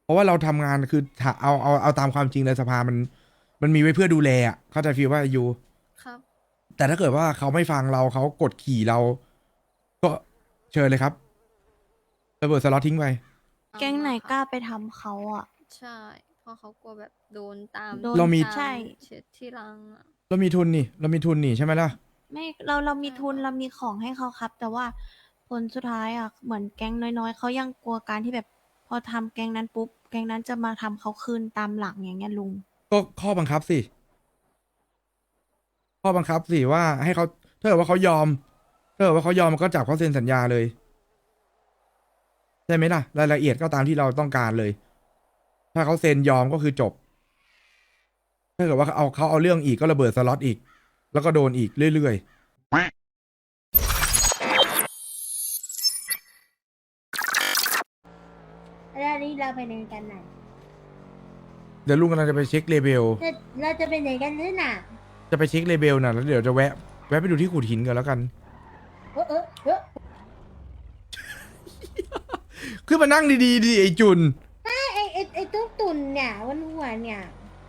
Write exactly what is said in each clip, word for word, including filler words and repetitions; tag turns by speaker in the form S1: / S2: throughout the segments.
S1: ราะว่าเราทำงานคือถ้าเอาเอาเอาตามความจริงเลยสภามันมันมีไว้เพื่อดูแลอ่ะเข้าใจฟีลว่าอยู่
S2: ครับ
S1: แต่ถ้าเกิดว่าเขาไม่ฟังเราเขากดขี่เราก็เชิญเลยครับระเบิดสล็อตทิ้งไป
S2: เอา
S3: แก๊งไหน
S2: มาครับ
S3: กล้าไปทำเขาอ่ะ
S2: ใช่เพราะเขากลัวแบบโดนตาม
S3: โดน
S1: เรามี
S2: ตาม
S3: ใช่
S2: เช็ดที่รังอ่ะ
S1: เรามีทุนนี่เรามีทุนนี่ใช่ไหมล่ะ
S3: ไม่เราเรามี
S2: ใช่
S3: ทุน
S2: ครับ
S3: เรามีของให้เขาครับ แต่ว่าผลสุดท้ายอ่ะเหมือนแก๊งน้อยๆเขายังกลัวการที่แบบพอทำแก๊งนั้นปุ๊บแก๊งนั้นจะมาทำเขาคืนตามหลังอย่างเงี้ยลุง
S1: ก็ข้อบังคับสิข้อบังคับสิว่าให้เขาถ้าเกิดว่าเขายอมถ้าเกิดว่าเขายอมมันก็จับเขาเซ็นสัญญาเลยใช่ไหมล่ะรายละเอียดก็ตามที่เราต้องการเลยถ้าเขาเซ็นยอมก็คือจบถ้าเกิดว่าเขาเอาเขาเอาเรื่องอีกก็ระเบิดสล็อตอีกแล้วก็โดนอีกเรื่อย
S4: แล้วนี่เราไปไหนกันน่ะ
S1: ๆเดี๋ยวลุงกำลังจะไปเช็คเลเบล
S4: เราเราจะไปไหนกันนี่น่ะ
S1: จะไปเช็คเลเบลน่ะแล้วเดี๋ยวจะแวะแวะไปดูที่ขูดหินกันแล้วกัน
S4: เออเออเออ
S1: ขึ้นมานั่งดีๆดิไอจุน
S4: ไอไอไอไอตุ๊กตุ่นเนี่ยวันหัวเนี่ย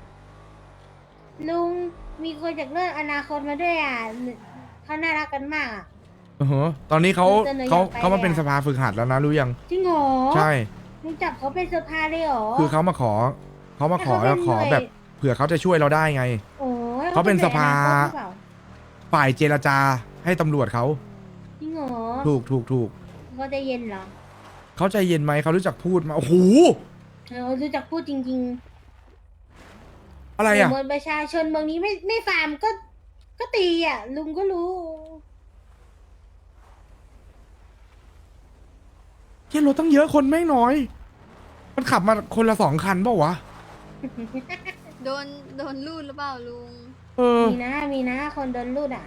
S4: ลุงมีคนจากเรื่องอนาคตมาด้วยอ่ะเขาน่ารักกันมากอ่ะ
S1: อือฮะตอนนี้เขา
S4: เสนออยาก
S1: เขา
S4: ไป
S1: เขามาเป็น
S4: เลยอะ
S1: สภาฝึกหัดแล้วนะรู้ยัง
S4: จริงเหรอ
S1: ใช่
S4: ลุงจับเขาเป็นสภาเลยเหรอ
S1: คือเขามาขอเขามาขอ
S4: ให้เขาเป็น
S1: ขอ
S4: หน่วย
S1: แบบเผื่อเขาจะช่วยเราได้ไง
S4: โอ้ย
S1: เขาเป็นสภา
S4: หน่วยอนาคตหรือเปล่า
S1: ฝ่ายเจรจาให้ตำรวจเขา
S4: จริงเหรอ
S1: ถูกถูกถูก
S4: เขาใจเย็นเหรอ
S1: เขาใจเย็นไหมเขารู้จักพูดมาโอ้โห
S4: เออรู้จักพูดจริง
S1: อะไร
S4: ๆ
S1: อ่ะ
S4: เมืองประชาชนเมืองนี้ไม่ไม่ฟาร์มก็ ก็ตีอ่ะ ลุงก็รู้
S1: เที่ยรถตั้งเยอะคนแม่งน้อย มันขับมาคนละสองคันเปล่าวะ
S2: โดนโดนลูดหรือเปล่าลุง
S1: เออ
S4: มีนะมีนะคนโดนลูดอ่ะ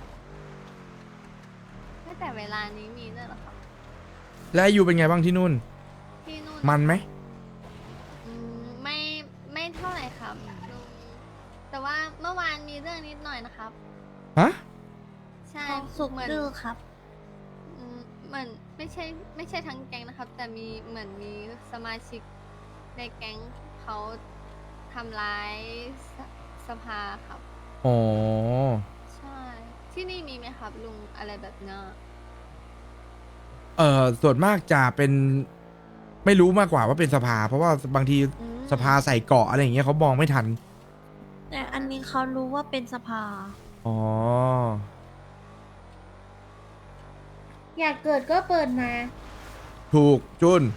S2: ตั้งแต่เวลานี้มีด้วยเหรอครับ
S1: และอายูเป็นไงบ้างที่นู่น
S2: ที่นู่น
S1: มันไหม
S2: อืมไม่ไม่เท่าไหร่ครับลุงแต่ว่าเมื่อวานมีเรื่องนิดหน่อยนะครับ
S1: ฮะ
S2: ใช่
S3: ทองสุก
S2: เหมือน
S3: ดื้อครับ
S2: อืมเหมือนไม่ใช่ไม่ใช่ทั้งแก๊งนะครับ แต่มีเหมือนมีสมาชิกในแก๊งเขาทำร้ายสสภาครับ
S1: อ๋อ
S2: ใช่ ที่นี่มีไหมครับลุงอะไรแบบเนี้ย
S1: เออส่วนมากจะเป็นไม่รู้มากกว่าว่าเป็นสภา เพราะว่าบางที
S2: อืม
S1: สภาใส่เกราะอะไรอย่างเงี้ยเขามองไม่ทัน
S3: แต่อันนี้เขารู้ว่าเป็นสภา
S1: อ๋อ
S4: อยากเกิดก็เปิดมา
S1: ถูกจุน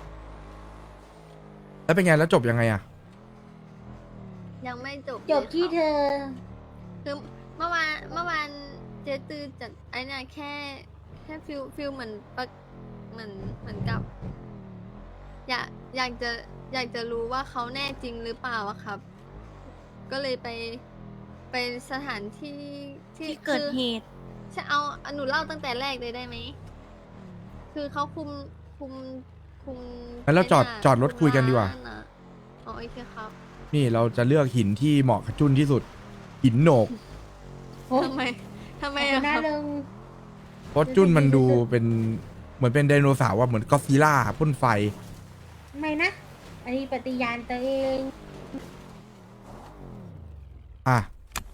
S1: แล้วเป็นไงแล้วจบยังไงอะ
S2: ยังไม่จบ
S4: จบ
S2: เลย
S4: ที่
S2: ครับ
S4: เธอ
S2: คือเมื่อวานเมื่อวานเจตือจัดไอ้เนี่ยแค่แค่ฟิลฟิลเหมือนปะเหมือนเหมือนกับ อยากอยากจะอยากจะรู้ว่าเขาแน่จริงหรือเปล่าอะครับ ก็เลยไปไปสถานที่ที่
S3: ที่เกิด
S2: คือ
S3: เหตุ
S2: จะเอาเอาหนูเล่าตั้งแต่แรกเลยได้ไหม คือเขาคุมคุมคุม
S1: งั้นเราจอด
S2: ไเนี่ย
S1: จอดรถคุยกันดีกว่า
S2: ร้อะอ๋อโอเคครับ
S1: นี่เราจะเลือกหินที่เหมาะกับจุนที่สุด หินโหนก
S4: โอ้
S2: ทำไมทำไม
S4: ขอบคุ
S2: อะ
S4: ณ
S2: ค
S4: นะ
S2: รับ
S4: ลุง
S1: เพราะจุนมันดูเป็นเหมือนเป็นไดโนเสาร์ว่าเหมือนก็อดซิลล่าพ่นไฟ
S4: ไม่นะ อันนี้ปฏิญาณตัวเอง
S1: อ่ะ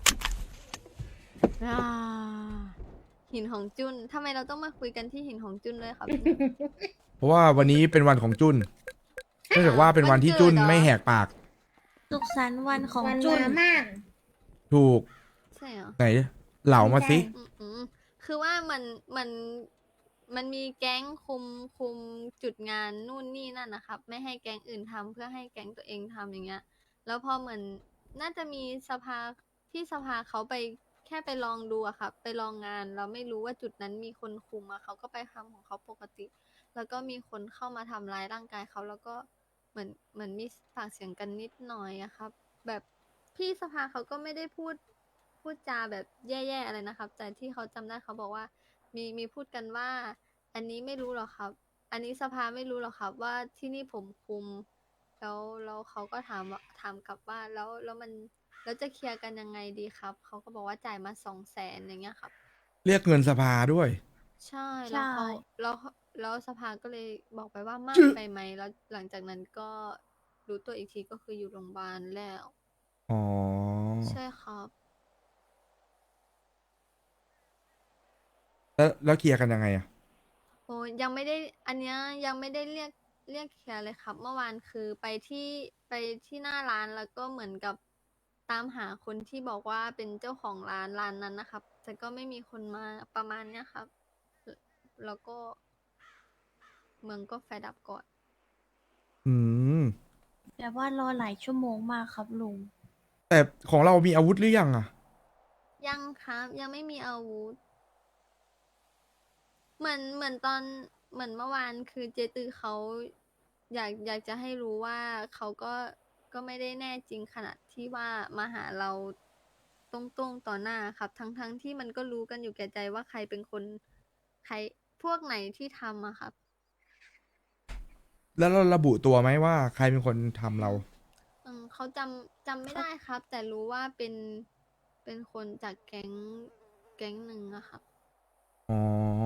S2: อ่าหินของจุนทำไมเราต้องมาคุยกันที่หินของจุนด้วยครับ
S1: เพราะว่าวันนี้เป็นวันของจุนเนื่องจากว่าเป็นวันที่จุนไม่แหกปาก
S3: สุขสันต์วันของ
S4: วัน
S3: จุน
S4: มามาก
S1: ถูก
S2: ใช่เหรอ
S1: ไหน เหล่ามาสิ
S4: ใช่
S2: อืมอืมคือว่ามันมันมันมีแก๊งคุมคุมจุดงานนู่นนี่นั่นนะครับ ไม่ให้แก๊งอื่นทำเพื่อให้แก๊งตัวเองทำอย่างเงี้ย แล้วพอเหมือนน่าจะมีสภาพี่สภาเขาไปแค่ไปลองดูอะครับไปลองงานเราไม่รู้ว่าจุดนั้นมีคนคุมอะเขาก็ไปทำของเขาปกติ แล้วก็มีคนเข้ามาทำร้ายร่างกายเขาแล้วก็เหมือนเหมือนมีปากเสียงกันนิดหน่อยอะครับ แบบพี่สภาเขาก็ไม่ได้พูดพูดจาแบบแย่ๆอะไรนะครับ แต่ที่เขาจำได้เขาบอกว่า มีมีพูดกันว่า อันนี้ไม่รู้หรอกครับ อันนี้สภาไม่รู้หรอกครับ ว่าที่นี่ผมคุม แล้วแล้วเขาก็ถามว่าถามกลับว่าแล้วแล้วมันแล้วจะเคลียร์กันยังไงดีครับเขาก็บอกว่าจ่ายมาสองแสนอย่างเงี้ยครับ
S1: เรียกเงินสภาด้วย
S2: ใช่
S3: ใช่
S2: แล้วเขาแล้วแล้วสภาก็เลยบอกไปว่ามาก
S1: จึ๊ะ
S2: ไปไหมแล้วหลังจากนั้นก็รู้ตัวอีกทีก็คืออยู่โรงพยาบาลแล้ว
S1: อ๋อ
S2: ใช่ครับ
S1: แล้วแล้วเคลียร์กันยังไงอะ
S2: โอ้ยังไม่ได้อันเนี้ยยังไม่ได้เรียกเรียกเคลียร์เลยครับ เมื่อวานคือไปที่ไปที่หน้าร้านแล้วก็เหมือนกับตามหาคนที่บอกว่าเป็นเจ้าของร้านร้านนั้นนะครับ แต่ก็ไม่มีคนมาประมาณเนี้ยครับ แล้วแล้วก็เมืองก็ไฟดับก่อน
S1: อืม
S3: แต่ว่ารอหลายชั่วโมงมากครับลุง
S1: แต่ของเรามีอาวุธหรือยังอะ
S2: ยังครับยังไม่มีอาวุธ เหมือนเหมือนตอนเหมือนเมื่อวานคือเจตือเขาอยากอยากจะให้รู้ว่าเขาก็ก็ไม่ได้แน่จริงขนาดที่ว่ามาหาเราตรงๆต่อหน้าครับ ทั้งทั้งที่มันก็รู้กันอยู่แก่ใจว่าใครเป็นคนใครพวกไหนที่ทำอะครับ
S1: แล้วเราระบุตัวไหมว่าใครเป็นคนทำเรา
S2: อืมเขาจำจำไม่ได้ครับ แต่รู้ว่าเป็นเป็นคนจากแก๊งแก๊งหนึ่งอะครับ
S1: อ๋อ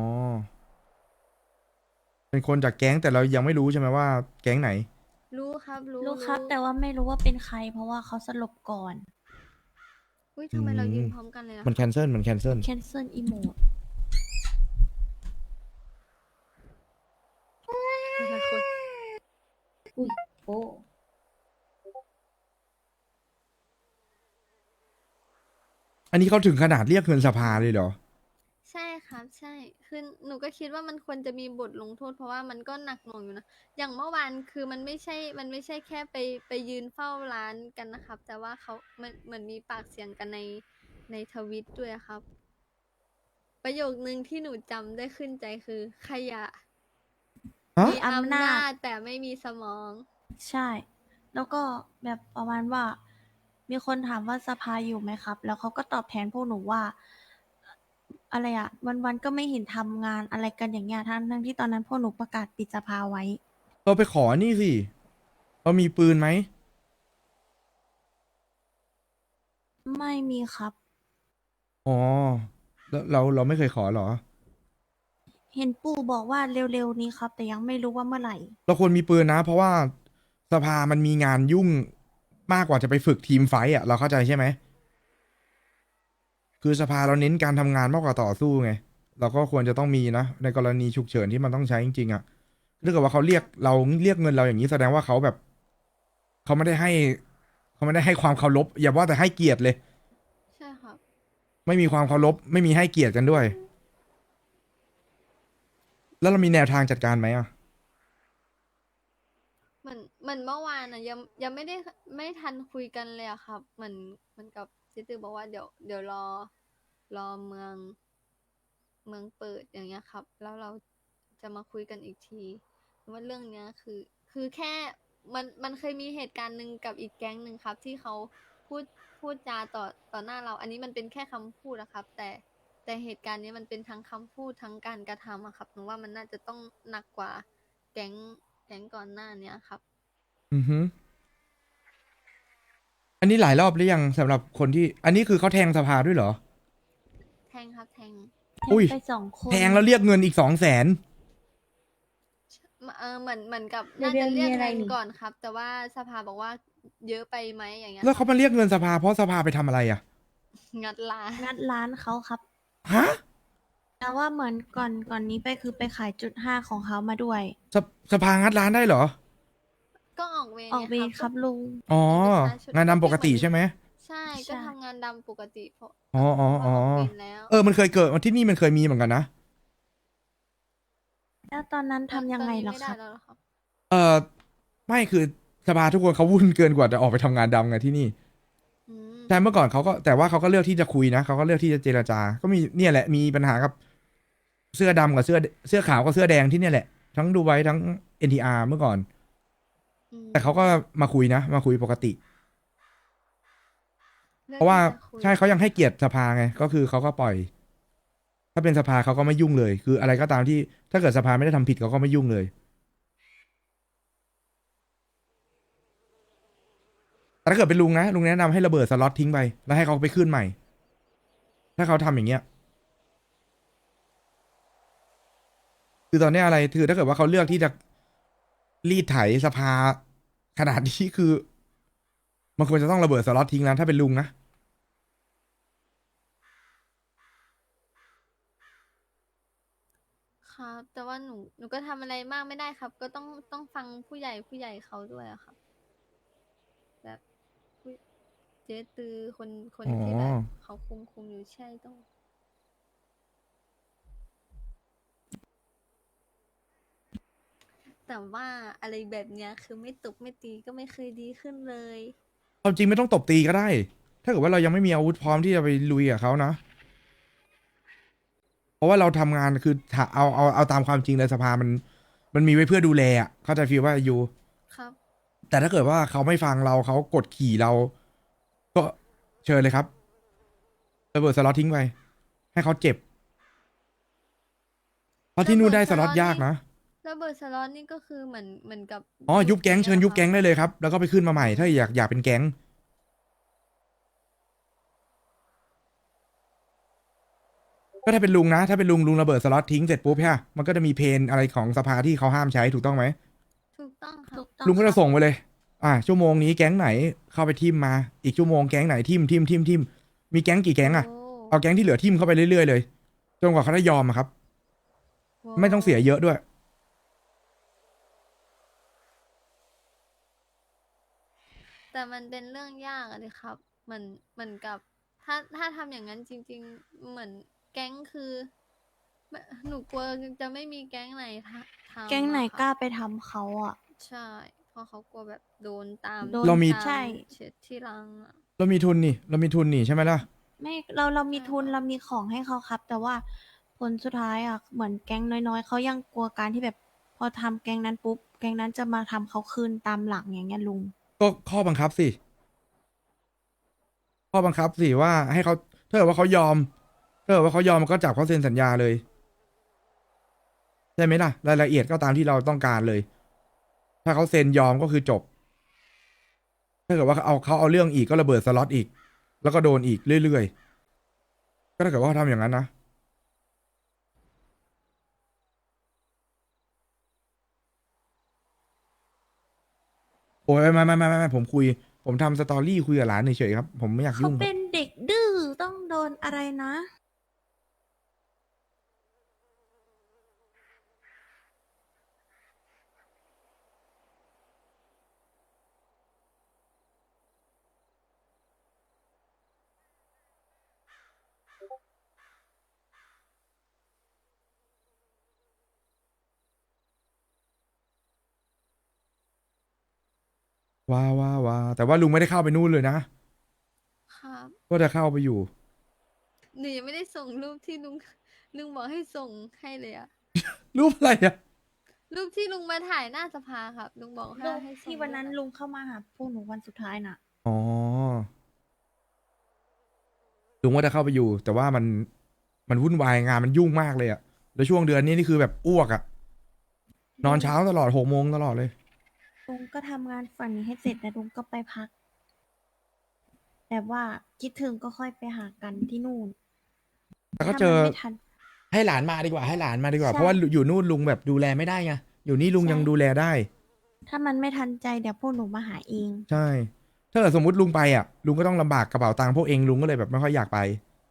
S1: เป็นคนจากแก๊งแต่เรายังไม่รู้ใช่ไหมว่าแก๊งไหน
S2: รู้ครับรู้
S3: รู้ครับ แต่ว่าไม่รู้ว่าเป็นใคร เพราะว่าเขาสลบก่อน
S2: อุ้ยทำไมเรายืน
S1: อืม
S2: พร้อมกันเลยอะ
S1: มันแคนเซิลมันแคนเซิล
S3: cancel emote
S2: แต่ละคน
S4: อุ้ยโอ้
S1: อันนี้เขาถึงขนาดเรียกเงินสภาเลยเหรอ
S2: ใช่ครับใช่คือหนูก็คิดว่ามันควรจะมีบทลงโทษเพราะว่ามันก็หนักหน่วงอยู่นะอย่างเมื่อวานคือมันไม่ใช่มันไม่ใช่แค่ไปไปยืนเฝ้าร้านกันนะครับ แต่ว่าเขามันเหมือนมีปากเสียงกันในในทวิตด้วยครับ ประโยคนึงที่หนูจำได้ขึ้นใจคือขยะ
S1: ฮะ
S2: มีอำ
S3: อำนา
S2: นา
S3: จ
S2: จแต่ไม่มีสมอง
S3: ใช่ แล้วก็แบบประมาณว่า มีคนถามว่าสภาอยู่ไหมครับ แล้วเขาก็ตอบแทนพวกหนูว่า อะไรอะวันๆก็ไม่เห็นทำงานอะไรกันอย่างเงี้ยทั้งทั้งที่ตอนนั้นพวกหนูประกาศปิดสภาไว้
S1: เราไปขอนี่สิ เรามีปืนไหม
S3: ไม่มีครับ
S1: อ๋อ แล้วเราเราไม่เคยขอเหรอ
S3: เห็นปู่บอกว่าเร็วๆนี้ครับ แต่ยังไม่รู้ว่าเมื่อไหร่
S1: เราควรมีปืนนะ เพราะว่าสภามันมีงานยุ่งมากกว่าจะไปฝึกทีมไฟต์อ่ะ เราเข้าใจใช่ไหม คือสภาเราเน้นการทำงานมากกว่าต่อสู้ไง เราก็ควรจะต้องมีนะ ในกรณีฉุกเฉินที่มันต้องใช้จริงๆอ่ะถ้าเกิดว่าเขาเรียกเราเรียกเงินเราอย่างนี้แสดงว่าเขาแบบ เขาไม่ได้ให้ เขาไม่ได้ให้ความเคารพอย่าว่าแต่ให้เกียรติเลย
S2: ใช่ครับ
S1: ไม่มีความเคารพไม่มีให้เกียรติกันด้วย แล้วเรามีแนวทางจัดการไหมอ่ะ
S2: เหมือนเหมือนเมื่อวานอ่ะยังยังไม่ได้ไม่ทันคุยกันเลยอะครับเหมือนเหมือนกับซิตือบอกว่าเดี๋ยวเดี๋ยวรอรอเมืองเมืองเปิดอย่างเงี้ยครับ แล้วเราจะมาคุยกันอีกทีว่าเรื่องเนี้ยคือ คือแค่มันมันเคยมีเหตุการณ์หนึ่งกับอีกแก๊งหนึ่งครับ ที่เขาพูดพูดจาต่อต่อหน้าเรา อันนี้มันเป็นแค่คำพูดนะครับ แต่แต่เหตุการณ์นี้มันเป็นทั้งคำพูดทั้งการกระทำอะครับหนูว่ามันน่าจะต้องหนักกว่าแก๊งแก๊งก่อนหน้าเนี้ยครับ
S1: อือฮึอันนี้หลายรอบหรือยังสำหรับคนที่ อันนี้คือเขาแทงสภาด้วยเหรอ
S2: แทงครับแทง
S1: อุ้ย
S3: ไปสองคน
S1: แทงแล้วเรียกเงินอีกสองแสน
S2: เออเหมือนเหมือนกับ
S4: เดี๋ยว
S2: น่าจะเรียก
S4: มีอะไร
S2: เงิน
S4: นี่
S2: ก่อนครับ แต่ว่าสภาบอกว่าเยอะไปไหมอย่างเงี้ย
S1: แล้วเขามาเรียกเงินสภาเพราะสภาไปทำอะไรอ่ะ
S2: งัดร้าน
S3: งัดร้านเขาครับ
S1: ฮะ
S3: แต่ว่าเหมือนก่อนก่อนนี้ไปคือไปขายจุดห้าของเขามาด้วย
S1: สภสภางัดร้านได้เหรอ
S2: ก็ออกเวร
S3: ออกเวร
S2: นี่ย
S3: ครับลุง
S1: อ๋อ
S2: เป็นประชาชน
S1: งานดำปกติใช่ไหม
S2: ใช่
S3: ใช่
S2: ก็ทำงานดำปกติเพราะ
S1: อ๋ออ๋อ
S2: เพ
S1: อ๋อ
S2: ราะออกเวรแล้ว
S1: เออ มันเคยเกิดที่นี่มันเคยมีเหมือนกันนะ
S3: แล้วตอนนั้นทำยังไง
S2: ตอนนี้
S3: เหรอ
S2: ม่
S3: ค
S2: ด้
S3: รับ
S2: แล้วเหรอครับ
S1: เออไม่คือสภาทุกคนเขาวุ่นเกินกว่าจะออกไปทำงานดำไงที่นี่
S2: อืม
S1: ใช่เมื่อก่อนเขาก็แต่ว่าเขาก็เลือกที่จะคุยนะเขาก็เลือกที่จะเจรจา ก็มีเนี่ยแหละมีปัญหากับ เสื้อดำกับเสื้อเสื้อขาวกับเสื้อแดงที่เนี่ยแหละ ทั้งดูไว้ทั้ง เอ็น ที อาร์ เมื่อก่อน
S2: อืม
S1: แต่เขาก็มาคุยนะ มาคุยปกติ
S2: ลือก
S1: เพราะว่า
S2: ที่จคุย
S1: ใช่เขายังให้เกียรติสภาไงก็คือเขาก็ปล่อย ถ้าเป็นสภาเขาก็ไม่ยุ่งเลย คืออะไรก็ตามที่ถ้าเกิดสภาไม่ได้ทำผิดเขาก็ไม่ยุ่งเลย แต่ถ้าเกิดเป็นลุงนะลุงแนะนำให้ระเบิดสล็อตทิ้งไปแล้วให้เขาไปขึ้นใหม่ ถ้าเขาทำอย่างเงี้ย คือตอนเนี้ยอะไรคือถ้าเกิดว่าเขาเลือกที่จะรีดไถสภาขนาดนี้คือมันควรจะต้องระเบิดสล็อตทิ้งแล้วถ้าเป็นลุงนะ
S2: ครับ แต่ว่าหนูหนูก็ทำอะไรมากไม่ได้ครับ ก็ต้องต้องฟังผู้ใหญ่ผู้ใหญ่เขาด้วยอะครับ แบบผู้เจ๊ตือคนคน
S1: อ๋อ
S2: ที่แบบเขาคุมคุมอยู่ใช่ต้อง แต่ว่าอะไรแบบเนี้ยคือไม่ตบไม่ตีก็ไม่เคยดีขึ้นเลย
S1: ความจริงไม่ต้องตบตีก็ได้ ถ้าเกิดว่าเรายังไม่มีอาวุธพร้อมที่จะไปลุยกับเขานะ เพราะว่าเราทำงานคือถ้าเอาเอาเอาตามความจริงเลยสภามันมันมีไว้เพื่อดูแลอ่ะเข้าใจฟีลว่าอยู่
S2: ครับ
S1: แต่ถ้าเกิดว่าเขาไม่ฟังเราเขากดขี่เรา ก็เชิญเลยครับระเบิดสล็อตทิ้งไปให้เขาเจ็บ เพราะที่นู่นได้สล็อตยากนะ
S2: ระเบิดสล็อตนี่ก็คือเหมือนเหมือนกับ
S1: อ๋อยุบแก๊งเชิญยุบแก๊ง
S2: หรอ
S1: ได้เลยครับ แล้วก็ไปขึ้นมาใหม่ ถ้าอยากอยากเป็นแก๊ง ก็ถ้าเป็นลุงนะ ถ้าเป็นลุงลุงระเบิดสล็อตทิ้งเสร็จปุ๊บใช่ปะมันก็จะมีเพนอะไรของสภาที่เขาห้ามใช้ถูกต้องไหม
S2: ถูกต้องครั
S3: ถู
S2: บ
S3: กต้อง
S1: ลุงก็
S3: ค
S1: จะ
S3: รับ
S1: ส่งไปเลย อ่า ชั่วโมงนี้แก๊งไหนเข้าไปทิมมา อีกชั่วโมงแก๊งไหนทิมทิมทิมทิมมีแก๊งกี่แก๊งอะ
S2: โอ้
S1: เอาแก๊งที่เหลือทิมเข้าไปเรื่อยๆเลย จนกว่าเขาจะยอมอะครับ
S2: โห
S1: ไม่ต้องเสียเยอะด้วย
S2: แต่มันเป็นเรื่องยากอะดิครับเหมือนเหมือนกับ ถ้าถ้าทำอย่างนั้นจริง ๆ เหมือนแก๊งคือไม่หนูกลัวจะไม่มีแก๊งไหนทะทำ
S3: แก๊งไหน
S2: อะครับ
S3: กล้าไปทำเขาอ่ะ
S2: ใช่ เพราะเขากลัวแบบโดนตาม
S3: โดน
S1: เรามี
S2: ต
S3: ใช่
S2: เช็ดที่รังอะ
S1: เรามีทุนนี่ เรามีทุนนี่ใช่ไหมล่ะ
S3: ไม่เราเรามี
S2: ใช่
S3: ทุน
S2: ครับ
S3: เรามีของให้เขาครับ แต่ว่าผลสุดท้ายอ่ะเหมือนแก๊งน้อยๆเขายังกลัวการที่แบบ พอทำแก๊งนั้นปุ๊บแก๊งนั้นจะมาทำเขาคืนตามหลังอย่างเงี้ยลุง
S1: ก็ข้อบังคับสิ ข้อบังคับสิว่าให้เขาถ้าเกิดว่าเขายอมถ้าเกิดว่าเขายอมมันก็จับเขาเซ็นสัญญาเลยใช่ไหมล่ะรายละเอียดก็ตามที่เราต้องการเลย ถ้าเขาเซ็นยอมก็คือจบ ถ้าเกิดว่าเขาเอาเขาเอาเรื่องอีกก็ระเบิดสล็อตอีก แล้วก็โดนอีกเรื่อยๆก็ถ้าเกิดว่าเขาทำอย่างนั้นนะโอ้ยไม่ไม่ไม่ไม่ไม่ผมคุย ผมทำสตอรี่คุยกับหลานเฉยๆครับ ผมไม่อยาก
S3: เขา
S1: ยุ่งครับ
S3: เป็นเด็กดื้อต้องโดนอะไรนะ
S1: ว้าว้าว้าแต่ว่าลุงไม่ได้เข้าไปนู่นเลยนะ
S2: ครับ
S1: ก็จะเข้าไปอยู่
S2: หนูยังไม่ได้ส่งรูปที่ลุงลุงบอกให้ส่งให้เลยอะ
S1: รูปอะไรอะ
S2: รูปที่ลุงมาถ่ายหน้าสภาครับ ลุงบอกให้
S3: รูป
S2: ให้ส่ง
S3: ที่วันนั้น
S2: รูปอะ
S3: ลุงเข้ามาหาพวกหนูวันสุดท้ายน่ะ
S1: อ๋อ ลุงว่าจะเข้าไปอยู่ แต่ว่ามันมันวุ่นวายงานมันยุ่งมากเลยอะแล้วช่วงเดือนนี้นี่คือแบบอ้วกอะนอนเช้าตลอดหกโมงตลอดเลย
S3: ลุงก็ทำงานฝันนี้ให้เสร็จแต่ลุงก็ไปพัก แบบว่าคิดถึงก็ค่อยไปหากันที่นู่น
S1: แต่ก็
S3: ถ้า
S1: เจอ
S3: มันไม่ทัน
S1: ให้หลานมาดีกว่าให้หลานมาดีกว่า
S3: ใช่
S1: เพราะว่าอยู่นู่นลุงแบบดูแลไม่ได้ไงอยู่นี่ลุง
S3: ใช่
S1: ยังดูแลได้
S3: ถ้ามันไม่ทันใจเดี๋ยวพวกหนูมาหาเอง
S1: ใช่ ถ้าเกิดสมมติลุงไปอ่ะลุงก็ต้องลำบากกระเป๋าตังค์พวกเองลุงก็เลยแบบไม่ค่อยอยากไป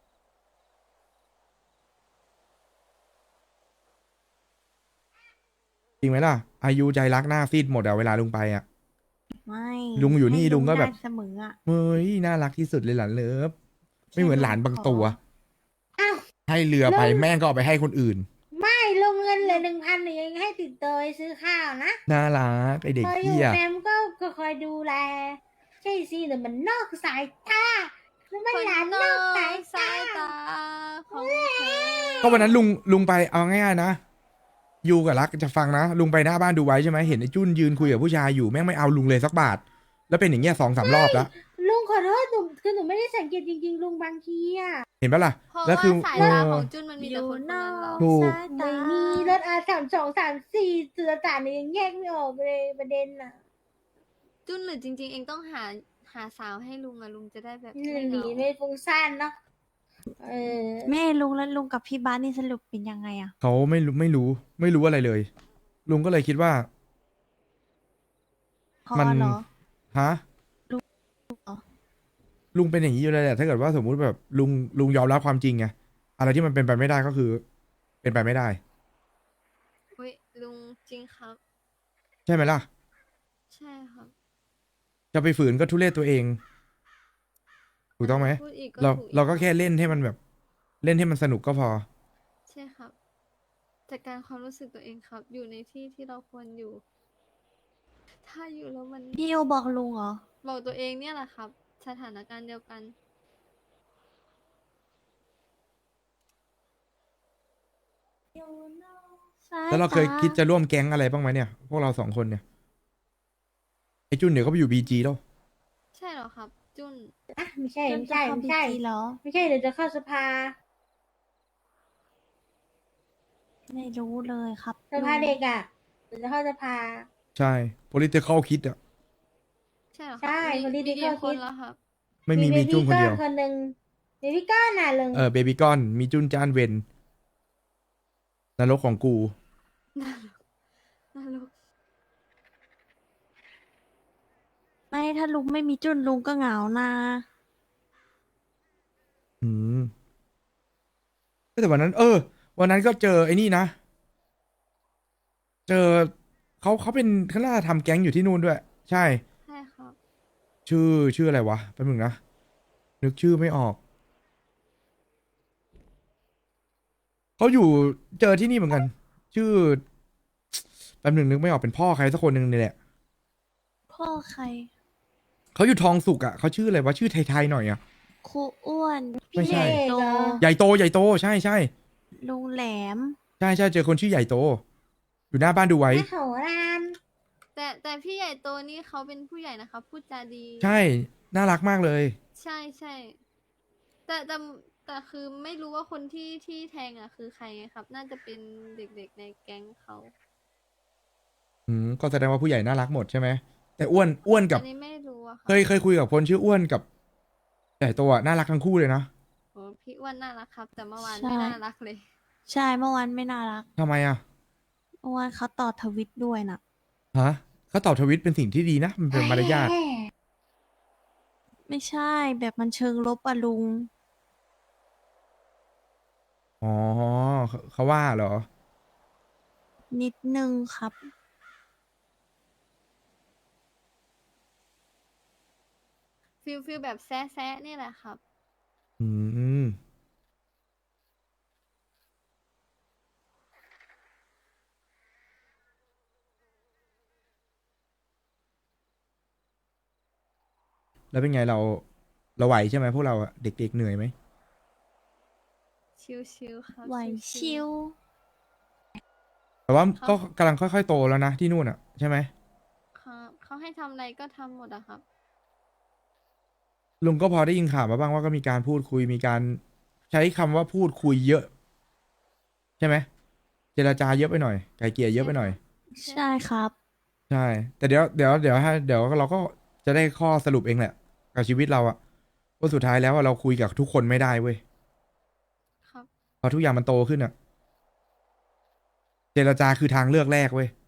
S1: จริงไหมล่ะ อายุใจรักหน้าซีดหมดอะเวลาลุงไปอ่ะ
S3: ไม่
S1: ลุงอยู่นี่
S3: ให้
S1: ลุงก็แบบ
S3: ได้เสมออ่ะ
S1: เฮ้ยน่ารักที่สุดเลยหลานเลิฟไม่เหมือนหลานบางตัว
S4: อ้าว
S1: ให้เรือไป
S4: ลุง
S1: แม่งก็เอาไปให้คนอื่น
S4: ไม่ลงเงินเหลือหนึ่งพันหนึ่งยังให้ติดตัวไปซื้อข้าวนะ
S1: น่ารักไอเด็ก
S4: พออยู่
S1: เหี้ย
S4: แฟมก็ก็คอยดูแล ใช่สิแต่มันนอกสายตาคือมัน
S2: คน
S4: หลาน
S2: น
S4: น
S2: อ
S4: อกสาย
S2: กสาย
S4: ตา
S2: ตาของเธอ
S1: ก็วันนั้นลุงลุงไปเอาง่ายๆนะยูกับรักจะฟังนะลุงไปหน้าบ้านดูไว้ใช่ไหมเห็นไอ้จุนยืนคุยกับผู้ชายอยู่แม่งไม่เอาลุงเลยสักบาท แล้วเป็นอย่างเงี้ยสองสามรอบแล้ว
S4: ลุงขอโทษหนูคือหนูไม่ได้สังเกตจริงๆ ลุงบางทีอะ
S1: เห็นปะล่ะ
S2: เพราะ
S1: แล้ว
S2: ว่า
S1: คือ
S2: สาย
S1: เอ
S2: ตา
S1: อ
S2: ของจุนมันมี
S3: อ
S2: แต่
S3: ยู่
S2: คนคน
S3: นอ
S2: นั้นหรอก
S1: ถูก
S3: สายตา
S4: ไม่มีรถอาสามสองสามสี่เสือสารเนี่ยยังแยกไม่ออกเลยประเด็นอะ
S2: จุนหรือจริง ๆ เองต้องหาหาสาวให้ลุงอะลุงจะได้แบบ
S4: ห
S2: ไม่เห
S4: นี
S2: งา
S4: ไม่ฟุ้งซ่านเนาะเออ
S3: แม่ลุงแล้วลุงกับพี่บ้านนี่สรุปเป็นยังไงอ่ะ
S1: เขาไม่รู้ไม่รู้ไม่รู้อะไรเลย ลุงก็เลยคิดว่า
S3: พอ
S1: มัน
S3: เหรอ
S1: ฮะ
S3: เหรอ
S1: ลุงเป็นอย่างนี้อยู่เลยแหละถ้าเกิดว่าสมมุติแบบลุงลุงยอมรับความจริงไงอะไรที่มันเป็นไปไม่ได้ก็คือ เป็นไปไม่ได้
S2: อุ้ยลุงจริงครับ
S1: ใช่ไหมล่ะ
S2: ใช่ครับ
S1: จะไปฝืนก็ทุเรศตัวเอง ถูกต้องไหม
S2: พูดอีกก็
S1: เรา
S2: ถูกอี
S1: เราก็
S2: รับ
S1: แค่เล่นให้มันแบบ เล่นให้มันสนุกก็พอ
S2: ใช่ครับจัดการความรู้สึกตัวเองครับ อยู่ในที่ที่เราควรอยู่ ถ้าอยู่แล้วมัน
S3: พี่โอบอกลุงเหรอ
S2: บอกตัวเองเนี่ยแหละครับ สถานการณ์เดียวกัน
S1: แล้วเราเคยคิดจะร่วมแก๊งอะไรบ้างไหมเนี่ย พวกเราสองคนเนี่ย ไอจุนเดี๋ยวก็ไปอยู่บีจีแล้ว
S2: ใช่เหรอครับ จุน
S4: อ่ะไม่ใช่
S3: จน
S4: ไม่
S3: จะ
S4: ใช่
S3: เข้า
S4: ไม่
S3: บี
S4: ใช่
S3: จีเหรอ
S4: ไม่ใช่เดี๋ยวจะเข้าสภา
S3: ไม่รู้เลยครับ
S4: สภาเด็กอ่ะเดี๋ยวจะเข้าสภา
S1: ใช่ political คิดอะ
S2: ใช่เหรอค
S4: ใช่
S2: รับมี
S4: คนที่
S2: มี
S4: ที่
S2: กี่
S4: เขา
S2: ค
S4: คิ
S2: น
S4: ด
S2: แล้วครับ
S1: ไม่มีมีจุนคนเดียว
S4: มีคนหนึ่งเบบี้ก้อนน่ะลุง
S1: เออเบบี้ก้อน มีจุนจานเวนนรกของกู
S2: นรก
S3: ไม่ถ้าลุงไม่มีจุนลุงก็เหงานะ
S1: อืมแต่วันนั้น เออ วันนั้นก็เจอไอ้นี่นะ เจอเขาเขาเป็นเขาน่าจะทำแก๊งอยู่ที่นู่นด้วย ใช่
S2: ใช่ครับ
S1: ชื่อชื่ออะไรวะแป๊บนึงนะ นึกชื่อไม่ออก เขาอยู่เจอที่นี่เหมือนกัน ชื่อแป๊บนึงนึกไม่ออกเป็นพ่อใครสักคนหนึ่งนี่แหละ
S3: พ่อใคร
S1: เขาอยู่ทองสุกอ่ะเขาชื่ออะไรวะชื่อไทยๆหน่อยอ่ะ
S3: ครูอ้วน
S1: ไม่
S3: พี่
S1: ใช่
S3: ใหญ่โต
S1: ใหญ่โตใหญ่โตใช่ใช่
S3: ลุงแหลม
S1: ใช่ใช่เจอคนชื่อใหญ่โต อยู่หน้าบ้านดูไว้
S4: แม่โถราน
S2: แต่แต่พี่ใหญ่โตนี่เขาเป็นผู้ใหญ่นะครับ พูดจาดี
S1: ใช่ น่ารักมากเลย
S2: ใช่ใช่แต่แต่แต่คือไม่รู้ว่าคนที่ที่แทงอ่ะคือใครไงครับ น่าจะเป็นเด็กๆในแก๊งเขา
S1: อืมก็แสดงว่าผู้ใหญ่น่ารักหมดใช่ไหมแต่อ้วนอ้วนกับ
S2: อันนี้ไม่รู้อะครั
S1: เคยเคยคุยกับคนชื่ออ้วนกับใหญ่โตอ่ะน่ารักทั้งคู่เลยนะ
S2: โอ้พี่อ้วนน่ารักครับ แต่เมื่อวาน
S3: ใช่
S2: ไม่น่ารักเลย
S3: ใช่เมื่อวานไม่น่ารัก
S1: ทำไมอ่ะ
S3: เมื่อวานเขาต่อทวิตด้วยน่ะ
S1: ฮะเขาตอบทวิตเป็นสิ่งที่ดีนะ มันเป็นมารยาท
S4: แหม่
S3: ไม่ใช่แบบมันเชิงลบอะลุง
S1: อ๋อเขาเขาว่าเหรอ
S3: นิดนึงครับ
S2: ฟิลฟิลแบบแซะแซะนี่แหละครับ
S1: อืม แล้วเป็นไงเราเราไหวใช่ไหมพวกเราอะเด็กๆเหนื่อยไหม
S2: ชิวๆครับ
S3: ไหวชิว
S1: แต่ว่าก็กำลังค่อยๆโตแล้วนะที่นู่นอะใช่ไหม
S2: ครับเขาให้ทำอะไรก็ทำหมดอะครับ
S1: ลุงก็พอได้ยินข่าวมาบ้างว่าก็มีการพูดคุยมีการใช้คำว่าพูดคุยเยอะ ใช่ไหมเจรจาเยอะไปหน่อยไกลเกลี่ยเยอะไปหน่อย
S3: ใช่ครับ
S1: ใช่ แต่เดี๋ยวเดี๋ยวเดี๋ยวให้เดี๋ยวเราก็จะได้ข้อสรุปเองแหละกับชีวิตเราอะว่าสุดท้ายแล้วอะเราคุยกับทุกคนไม่ได้เว้ย
S2: ครับ
S1: พอทุกอย่างมันโตขึ้นอะเจรจาคือทางเลือกแรกเว้ย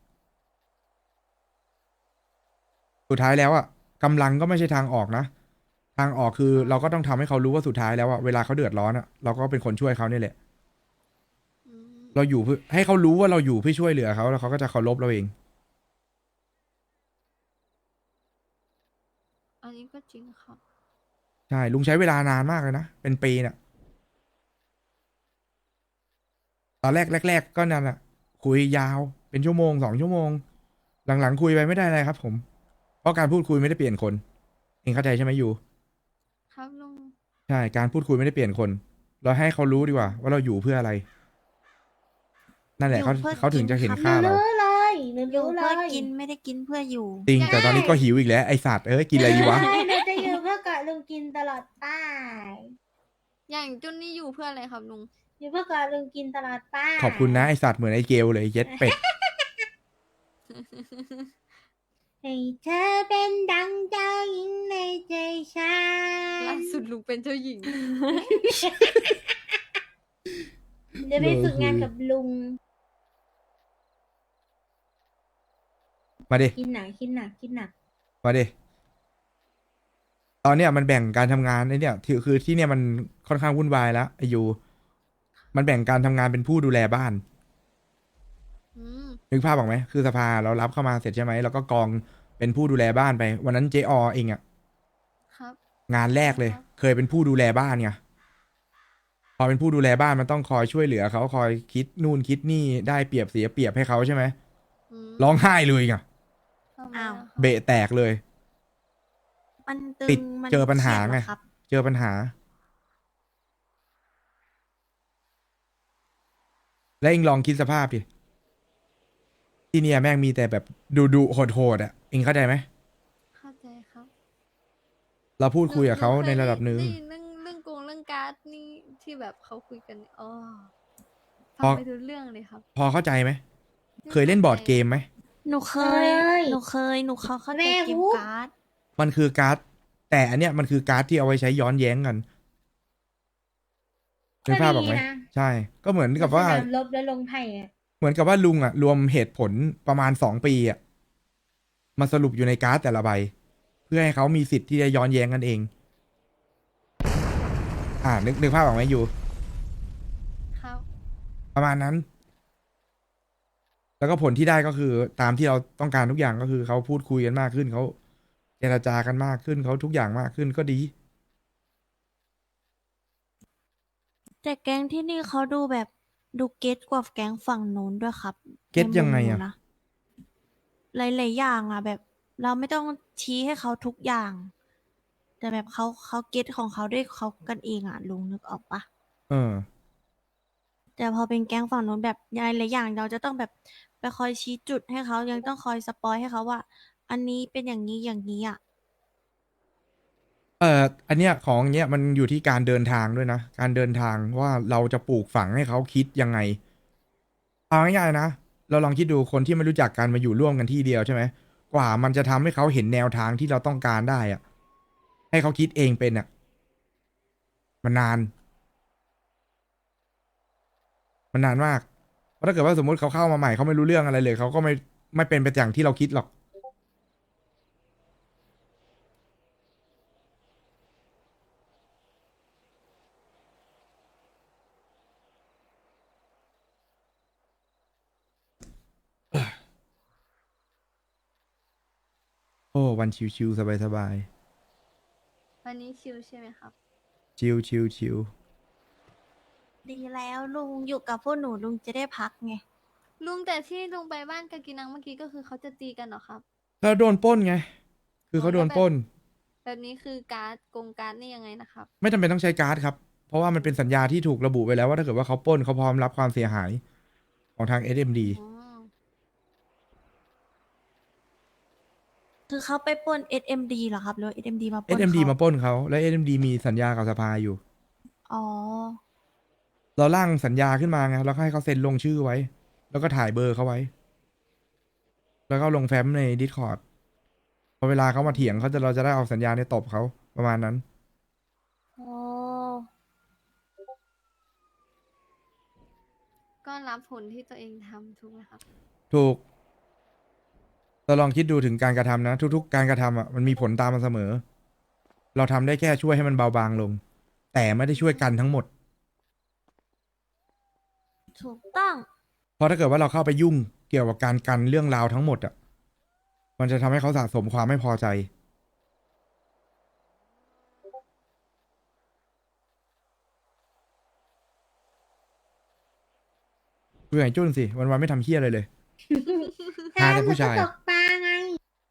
S1: สุดท้ายแล้วอะกำลังก็ไม่ใช่ทางออกนะทางออกคือเราก็ต้องทำให้เขารู้ว่าสุดท้ายแล้วอะเวลาเขาเดือดร้อนอะเราก็เป็นคนช่วยเขาเนี่ยแหละ
S2: อืม
S1: เราอยู่เพื่อให้เขารู้ว่าเราอยู่เพื่อช่วยเหลือเขาแล้วเขาก็จะเคารพเราเอง
S2: อันนี้ก็จริงครับ
S1: ใช่ลุงใช้เวลานานมากเลยนะเป็นปีน่ะตอนแรกแรก ๆ ก็นั่นแหละคุยยาวเป็นชั่วโมงสองชั่วโมง หลังๆคุยไปไม่ได้อะไรครับ ผม เพราะการพูดคุยไม่ได้เปลี่ยนคนเองเข้าใจใช่ไหมยู
S2: ครับลุง
S1: ใช่การพูดคุยไม่ได้เปลี่ยนคน เราให้เขารู้ดีกว่า ว่าเราอยู่เพื่ออะไร นั่นแหละเขา
S3: อยู่เพื่อ
S1: เขาถึงจะเห็น
S3: กิน
S1: ค่า
S4: หนู
S1: เรา
S4: รู้เลยหนู
S3: อยู่
S4: รู้เล
S3: เพื่อย กินไม่ได้กินเพื่ออยู่
S1: จริง แต่ตอนนี้ก็หิวอีกแล้วไอสัตว์เอ้ยกินอะไรดีวะ
S4: ใช่หนูจะอยู่เพื่อเกาะลุงกินตลอดไป
S2: อย่างจุนนี่อยู่เพื่ออะไรครับลุง
S4: อยู่เพื่อเกาะลุงกินตลอดไป
S1: ขอบคุณนะไอสัตว์เหมือนไอเกลเลยเย็ดเป็ด
S4: ให้เธอเป็นดังเจ้าหญิงในใจฉั
S2: ล่าน สุดลุงเป็นเจ้าหญิง
S4: เดี๋ยวไปฝึกงานกับลุง
S1: มาดิ
S4: กินหนักกินหนักกินหนัก
S1: มาดิตอนเนี้ยมันแบ่งการทำงานไอ้เนี่ยถือคือที่เนี่ยมันค่อนข้างวุ่นวายแล้วไอายุมันแบ่งการทำงานเป็นผู้ดูแลบ้าน
S2: อืม
S1: นึกภาพออกไหมคือสภาเรารับเข้ามาเสร็จใช่ไหมแล้วก็กองเป็นผู้ดูแลบ้านไป วันนั้นเจอเองอะ
S2: ครับ
S1: งานแรกเลย
S2: ครับ
S1: เคยเป็นผู้ดูแลบ้านไงพอเป็นผู้ดูแลบ้านมันต้องคอยช่วยเหลือเขาคอยคิดนู่นคิดนี่ได้เปรียบเสียเปรียบให้เขาใช่ไหม
S2: อืม
S1: ร้องไห้เลยไง
S2: ทำไม
S3: อ้าว
S2: ล่ะครับ
S1: เบะแตกเลย
S3: มันตึ
S1: ติด
S3: งมัน
S1: เจอปัญหา
S3: ครียด
S1: ไง
S3: เรอครับ
S1: เจอปัญหา แล้วเองลองคิดสภาพดิที่เนี่ยแม่งมีแต่แบบดุดุโหดโหดๆอ่ะเองเข้าใจไหม
S2: เข้าใจครับ
S1: เราพูดคุยกับเขา
S2: หค
S1: ในระดับหนึ่ง
S2: ได้ยินเรื่องเรื่องกงเรื่องการ์ดนี่ที่แบบเขาคุยกันนี่อ๋อฟั
S1: พอ
S2: งไปทุกเรื่องเลยครับ
S1: พอเข้าใจไหมเคยเล่นบอร์ดเกมไหม
S3: หนูเคย
S4: เคย
S3: หนูเคย หนูเขาเข้าใจ
S4: แม่
S3: เกม
S4: วุ๊
S3: การ์ด
S1: มันคือการ์ดแต่อันเนี้ยมันคือการ์ดที่เอาไว้ใช้ย้อนแย้งกันนึกภาพออกไหม
S4: ก็ดีนะ
S1: ใช่ ก็เหมือนกับว่า
S4: สนามลบแล้วลงไพ่อะ
S1: เหมือนกับว่าลุงอ่ะ รวมเหตุผลประมาณสองปีอ่ะมาสรุปอยู่ในการ์ดแต่ละใบ เพื่อให้เขามีสิทธิ์ที่จะย้อนแย้งกันเอง อ่านึกนึกภาพออกไหมอยู่
S2: ครับ
S1: ประมาณนั้น แล้วก็ผลที่ได้ก็คือตามที่เราต้องการทุกอย่างก็คือเขาพูดคุยกันมากขึ้นเขาเจรจากันมากขึ้นเขาทุกอย่างมากขึ้นก็ดี
S3: แต่แก๊งที่นี่เขาดูแบบดูเก็ตกว่าแก๊งฝั่งนู้นด้วยครับ
S1: เก็ต
S3: ในมุม
S1: ยังไง
S3: หนู
S1: อะ
S3: นะหลายๆอย่างอะแบบ เราไม่ต้องชี้ให้เขาทุกอย่าง แต่แบบเขาเขาเก็ตของเขาด้วยเขากันเองอะลุงนึกออกปะ
S1: เออ
S3: แต่พอเป็นแก๊งฝั่งนู้นแบบหลายๆอย่างเราจะต้องแบบไปคอยชี้จุดให้เขายังต้องคอยสปอยให้เขาว่า อันนี้เป็นอย่างนี้อย่างนี้อ่ะ
S1: เอ่ออันเนี้ยของเนี้ยมันอยู่ที่การเดินทางด้วยนะ การเดินทางว่าเราจะปลูกฝังให้เขาคิดยังไงเอาง่ายๆนะเราลองคิดดูคนที่ไม่รู้จักกันมาอยู่ร่วมกันที่เดียวใช่ไหมกว่ามันจะทำให้เขาเห็นแนวทางที่เราต้องการได้อะให้เขาคิดเองเป็นอะมันนาน มันนานมากเพราะถ้าเกิดว่าสมมติเขาเข้ามาใหม่เขาไม่รู้เรื่องอะไรเลยเขาก็ไม่ไม่เป็นไปอย่างที่เราคิดหรอก โอ้วันชิวๆสบาย
S2: วันนี้ชิลใช่ไหมครับ
S1: ๆชิวชิวชิว
S3: ดีแล้วลุงอยู่กับพวกหนูลุงจะได้พักไง
S2: ลุงแต่ที่ลุงไปบ้านกากินังเมื่อกี้ก็คือเขาจะตีกันเหรอครับ
S1: แล้วโดนปล้นไง คือเขาโดนปล้น
S2: แบบนี้คือการ์ดกงการ์ดนี่ยังไงนะครับ
S1: ไม่จำเป็นต้องใช้การ์ดครับ เพราะว่ามันเป็นสัญญาที่ถูกระบุไว้แล้วว่าถ้าเกิดว่าเขาปล้นเขาพร้อมรับความเสียหายของทาง เอส เอ็ม ดี
S2: อ๋อ
S3: คือเขาไปปล้น เอส เอ็ม ดี เหรอครับหรือว่า เอส เอ็ม ดี มาป
S1: เอ
S3: ล้น
S1: ส เอ็ม ดี
S3: เขา
S1: มาปล้นเขาและ เอส เอ็ม ดี มีสัญญากับสภาอยู่
S3: อ๋อ
S1: เราร่างสัญญาขึ้นมาไงแล้วก็ให้เขาเซ็นลงชื่อไว้ แล้วก็ถ่ายเบอร์เขาไว้ แล้วก็ลงแฟ้มใน Discord พอเวลาเขามาเถียงเขาจะเราจะได้เอาสัญญาในตบเขาประมาณนั้น
S3: อ๋อ
S2: ก็รับผลที่ตัวเองทำถูกไหมครับ
S1: ถูกเราลองคิดดูถึงการกระทำนะ ทุกๆ การกระทำอ่ะมันมีผลตามมาเสมอ เราทำได้แค่ช่วยให้มันเบาบางลง แต่ไม่ได้ช่วยกันทั้งหมด
S3: ถูกต้อง
S1: เพราะถ้าเกิดว่าเราเข้าไปยุ่งเกี่ยวกับการกันเรื่องราวทั้งหมดอ่ะ มันจะทำให้เขาสะสมความไม่พอใจ เบื่อไอ้จุ้นสิ วันๆไม่ทำเฮี้ยอะไรเลย หาแต่ผู้ชาย
S4: ตกปลาไง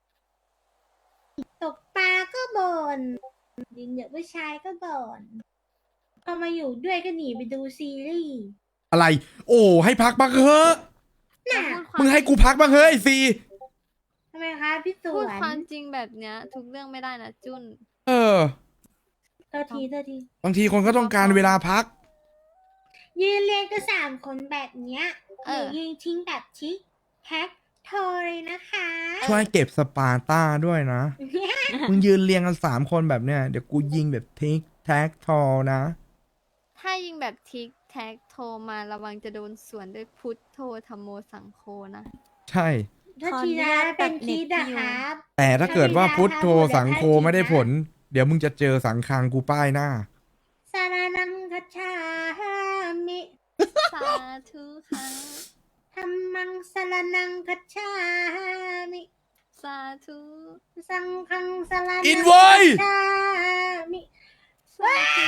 S4: ตกปลาก็บ่นยิงเด็กผู้ชายก็บ่นพอมาอยู่ด้วยก็หนีไปดูซีรีส์
S1: อะไร โอ้ให้พักบ้างเถอะ
S4: น่ะ
S2: พูดความ
S1: มึงให้กูพักบ้างเฮ้ยไอ้ซี
S4: ทำไมคะพี่ส
S2: พู
S4: ว
S2: ด
S4: น
S2: ความจริงแบบเนี้ย ทุกเรื่องไม่ได้นะจุน
S1: เออ
S4: เท่าทีเท่าที
S1: บางทีคนก็ต้องการเวลาพัก
S4: ยืนเรียงก็สามคนแบบเนี้ย
S2: เอ
S4: เดี๋ย
S2: อ
S4: วยิงทิ้งแบบชิคแท็กโทรเลยนะคะ
S1: ช่วยเก็บสปาร์ต้าด้วยนะ มึงยืนเรียงกันสามคนแบบเนี้ย เดี๋ยวกูยิงแบบทิกแท็กทอนะ
S2: ถ้ายิงแบบทิกแท็กโทรมาระวังจะโดนสวนด้วยพุทโธธรรมโมสังโฆนะ
S1: ใช่
S4: ถ้า
S3: ขออ
S4: ที
S3: นุ
S4: นะ
S3: ญาต
S4: เป็น
S3: ตัด
S4: คิด
S3: เน็
S4: อะ
S3: ตพี่
S4: ค
S3: อยู่
S4: รับ
S1: แต่ถ้าเกิดว่า
S4: ถ้าไม่ได้
S1: พุทโธ
S4: ถ้าพูด
S1: สังโฆ
S4: เดี๋ยว
S1: ไม่ได้
S4: ให้
S1: ผล เดี๋ยวมึงจะเจอสังคังกูป้ายหน้า
S4: สารนังคัจฉามิ
S2: สาธุค่ะ
S4: ธรรมังสารนังคัจฉามิ
S2: สาธุ
S4: สังฆังสารนัง
S1: อินไว้
S4: คัจฉามิ
S2: สาธุ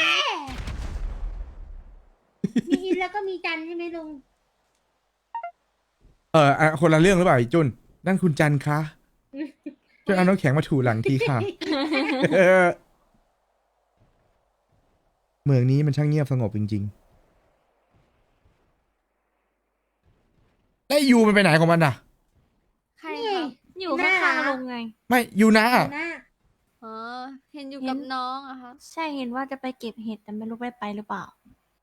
S4: มีอินแล้วก็มีจันใช่ไหมลุง
S1: เอออ่ะคนละเรื่องหรือเปล่าไอ้จุนนั่นคุณจันคะช่วยเอาน้ำแข็งมาถูหลังทีค่ะ เออเมืองนี้มันช่างเงียบสงบจริงๆไอ้ยูมันไปไหนของมันน่ะ
S2: ใครครับ
S3: อยู่ข้างๆลุงไง
S1: ไม่ยูนะ
S4: หน้า
S2: อ๋อ เห็นอยู่
S3: เห็น
S2: กับน้องอะครับ
S3: ใช่เห็นว่าจะไปเก็บเห็ดแต่ไม่รู้ได้ไปหรือเปล่า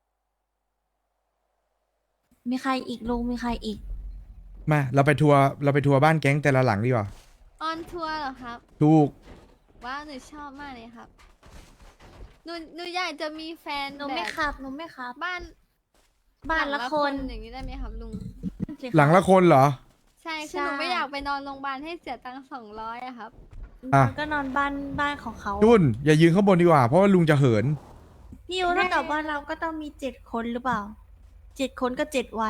S3: มีใครอีกลุงมีใครอีก
S1: มาเราไปทัวร์เราไปทัวร์บ้านแก๊งแต่ละหลังดีกว่า
S2: ออนทัวร์เหรอครับ
S1: ถูก
S2: ว้าวหนูชอบมากเลยครับ หนูหนูอยากจะมีแฟน
S3: หนู
S2: แบ
S3: ไม่
S2: บ
S3: ขับหนูไม่ขับ
S2: บ้าน
S3: บ้านละคน
S2: อย่างนี้ได้ไหมครับลุง
S3: สิค
S1: หลังละคนเหรอ
S2: ใช่คือหนูไม่อยากไปนอนโรงพยาบาลให้เสียตังค์สองร้อยอะครับ
S1: อ่ะ
S3: มันก็นอนบ้านบ้านของเขา
S1: จุนอย่ายืนข้างบนดีกว่าเพราะว่าลุงจะเหิน
S3: พี่ยูถ้ากับว่าเราก็ต้องมีเจ็ดคนหรือเปล่า เจ็ดคนก็เจ็ดวัน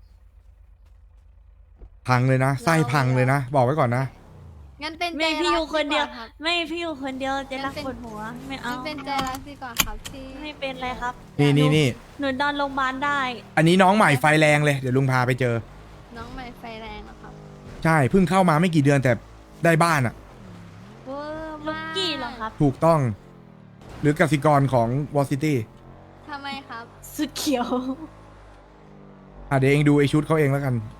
S1: พังเลยนะไส้พังเลยนะ บอกไว้ก่อนนะ
S2: งั้นเป็น
S3: ไม่
S2: ใจ
S3: พี่ยู
S2: รัก
S3: คนเดียว
S2: การับ
S3: ไม่พี่ยูคนเดียวจะรัก
S2: งั้นเป็น
S3: ปวดหัว ไม่เอา
S2: งั้นเป็นใจรักดีกว่าครับที่
S3: ไม่เป็นไรครับ
S1: นี่นี่นี่
S3: หนูนอนโรงพยาบาลได้
S1: อันนี้น้องใหม่ไฟแรงเลยเดี๋ยวลุงพาไปเจอ
S2: น้องใหม่ไฟแรงเหรอครับ
S1: ใช่เพิ่งเข้ามาไม่กี่เดือนแต่ได้บ้านอ่ะ
S2: เวอร์
S3: ลู
S2: มาก
S3: กี้เหรอครับ
S1: ถูกต้อง หรือกสิกรของวอซิตี้
S2: ทำไมครับ
S3: สุดเขียว
S1: อ่ะเดี๋ยวเองดูไอชุดเขาเองแล้วกัน